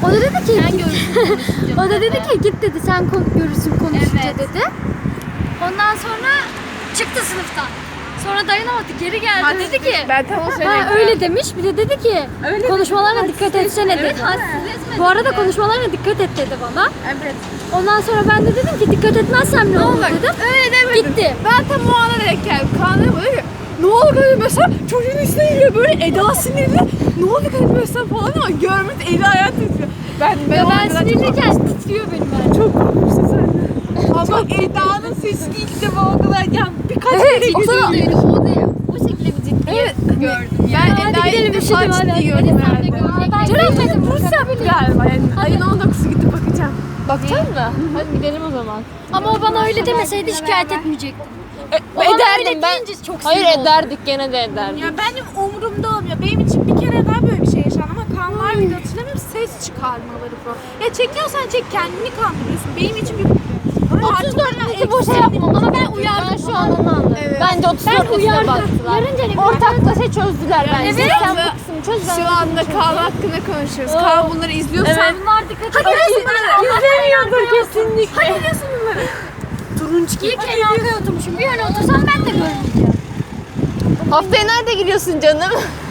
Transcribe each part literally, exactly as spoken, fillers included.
O da dedi ki, Sen görürsün. o da dedi ki git dedi sen kon- görürsün konuşunca Evet. dedi. Ondan sonra çıktı sınıftan. Sonra dayanamadı geri geldi Ha, dedi ki Ben tam o ha, sene. öyle demiş bir de dedi ki Öyle konuşmalarına dikkat etsene dedi. Evet, hadsizleşmedi Bu arada mi? konuşmalarına dikkat et dedi bana. Evet. Ondan sonra ben de dedim ki dikkat etmezsem ne olur Bak, dedim. öyle demedim. Gitti. Ben tam o ana denk geldim. Kaan'a böyle ki ne oldu dedim mesela çocuğun üstüne geliyor böyle Eda sinirli. Ne oldu dedim mesela falan ama görmüş eli ayağı titriyor. Ben, ben, Ya o ben anda çok- sinirliyken titriyor benim ben. Çok korkmuşsun sen de. Ama Eda'nın sesi ilk defa o kadar yani birkaç Evet, kere o zaman- gidiyor. O da o şekilde bir ciddiyet gördüm yani. Hadi Ben Eda'yı gidelim, ilk üşüdüm, defa hadi, ciddi hadi. gördüm Hadi sen de herhalde. gör. Ben Ceren gitmedim, bugün burs yaptı bakabilirim. galiba yani. Ayın on dokuzu gidip bakacağım. Bakacaksın mı? Hadi gidelim o zaman. Ama o bana öyle demeseydi şikayet etmeyecektim. O bana öyle Ederdim ben. deyince çok Hayır sinir oldum. ederdik gene de ederdik. Ya benim umurumda olmuyor. Benim için bir kere daha böyle bir şey yaşandı ama Kaan var mıydı hatırlamıyorum. Ses çıkarmaları falan. Ya çekiyorsan çek kendini kandırıyorsun. Benim için bir... otuz dört bizi boşa yapma. Ama ben uyardım. Ben şu an onu anladım. Evet. Bence otuz dört bize uyardım. baktılar. Yarınca ne Ortaklaşa şey çözdüler bence. Evet. Sen bu kısmı çöz ben. Şu anda Kaan hakkında konuşuyoruz. Kaan bunları izliyorsan... Evet. Bunlar dikkat et. İzlemiyordur kesinlikle. Hadi biliyorsun bunları. Turuncu İyi ki en arkaya oturmuşum. Bir öne otursam ben de görmeyeceğim. Haftaya nerede giriyorsun canım?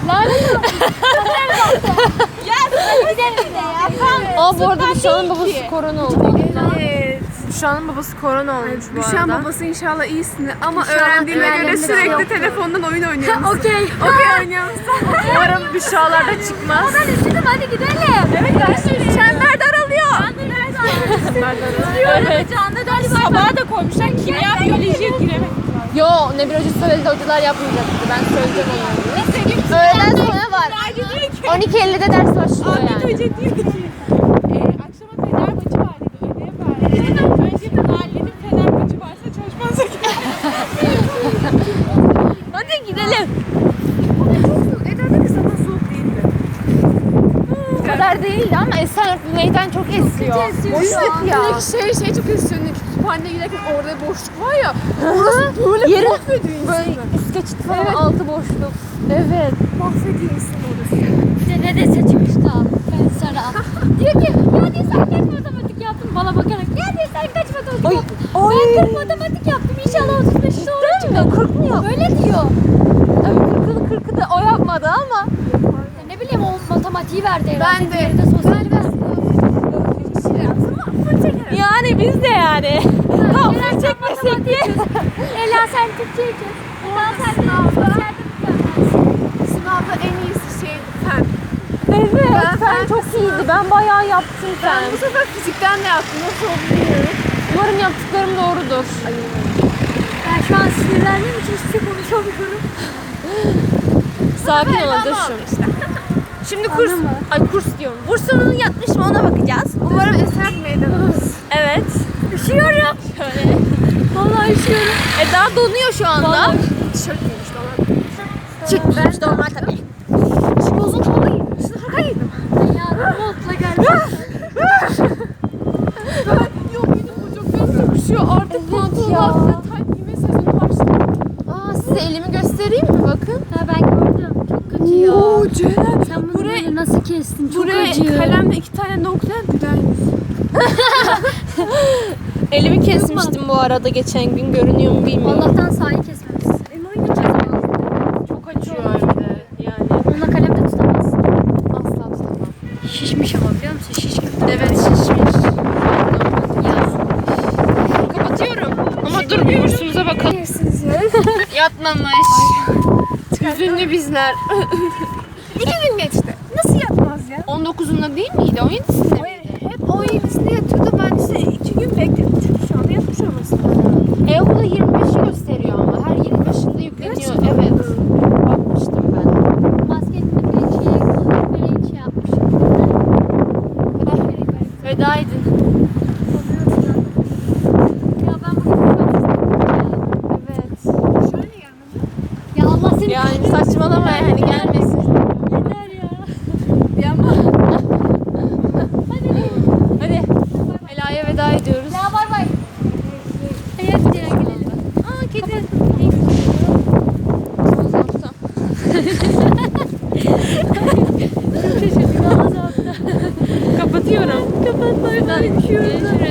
Gidelim bir de ya. Aa bu arada Büşra'nın babası korona oldu. Evet. Büşra'nın babası korona olmuş bu Büşra'nın arada. babası inşallah iyisin ama öğrendiğime göre öğrendiğinde sürekli yoktu. telefondan oyun oynuyormuş. Okey. Okey oynuyor musun? Umarım Büşra'lar da çıkmaz. Ben üşüdüm hadi gidelim. Evet görüşürüz. Çember daralıyor. Evet. Canlı galiba. Sabaha da koymuşlar kimya biyolojiye giremedik. Yo ne bir hoca söyledi hocalar yapmayacaktı. Ben söyleyeceğim onları. Öğleden sonra var. on iki ellide ders başlıyor Ahmet yani. Hoca diyor ki e, akşama Fener maçı var dedi. Ödev var dedi. Önce bir mahallenin Fener maçı varsa çalışmanıza Hadi gidelim. Eda'da kız ama soğuk değildi. Bu kadar değildi ama Esenyurt bu meydan çok esiyor. Boşluk ya. Şey şey çok istiyorum. Kütüphaneye giderken orada boşluk var ya. Orası böyle Yerin mahvediyor böyle insanı. üst geçit falan altı boşluk. Evet. Mahvediyor insanı orası. İşte ne dese çıkmıştı abi. Ben sana. Diyor ki ya diyor sen kaç matematik yaptın bana bakarak. Ya diyor sen kaç matematik Oy, yaptın. oy. Ben kırk matematik yaptım. İnşallah otuz beş doğru çıkar. kırk mı yok? Öyle diyor. Tabii kırkını kırkı da o yapmadı ama. Ya ne bileyim o matematiği verdi herhalde. Ben de. Diğeri de sosyal verdi. Yani biz de yani. Tam full çekmesek diye. Ela sen Türkçeyi kes. Ela sen de sosyal Sınavda en iyisi şeydi fen. Evet Ben- sen ben çok iyiydi. Ben bayağı yaptım Ben sen. bu sefer fizikten de yaptım. Nasıl oldu bilmiyorum. Umarım yaptıklarım doğrudur. Ben şu an sinirlendiğim için hiçbir şey konuşamıyorum. Sakin ol dur şu. Şimdi kurs, Anladın mı? ay kurs diyorum. Bursumuzun yatmış mı ona bakacağız. Umarım eser meydanımız. Evet. Üşüyorum. Şöyle. Vallahi üşüyorum. Eda donuyor şu anda. Vallahi. Tişört giymiş dolar. Çıkmış normal tabii. Şimdi uzun hava giydim. Şimdi haka giydim. Ya montla geldim. Ben yok benim bu çok göz sıkışıyor. Artık Evet pantolon ya. altında tayt giyme sezonu başladı. Aa size elimi göstereyim mi bakın. Ha ben gördüm. Çok kötü ya. Oo Ceren. Sen bunu Buraya- böyle nasıl kestin? Çok Buraya acıyor. kalemle iki tane nokta güzel. Elimi kesmiştim bu arada geçen gün görünüyor mu bilmiyorum. Allah'tan sahi kesmemişsin. Elmayı geçeceğiz. çok acıyor evde yani. Onunla kalem de tutamazsın. Asla tutamam. Şişmiş ama biliyor musun? Şiş gibi. Evet şişmiş. Ya. Kapatıyorum. Ama dur bir bursumuza bakalım. Yatmamış. Hüzünlü bizler. İki gün geçti. Nasıl yapmaz ya? on dokuzunda değil miydi? on yedisinde O, miydi? hep on yedisinde yatıyordu. Ben işte iki gün bekledim. Çünkü şu anda yatmış olması lazım. E okulda yirmi beşi gösteriyor ama. Her yirmi beşinde yükleniyor. Gerçekten. Evet. Bakmıştım ben. Basketini bir içiye bir içi yapmış. Vedaydın. Ya ben bugün çok istedim Evet. Şöyle gelmedi. ya. Ya Allah seni Yani saçmalama yani gelmesin. yeter ya. Bir ama Hadi. Ela'ya veda ediyoruz. Ya bay bay. Hayır gidelim gidelim. Aa kedi. Çok şaşırdım. Ağzı attı. Kapatıyor. Kapatıyorum. Kapat bay bay.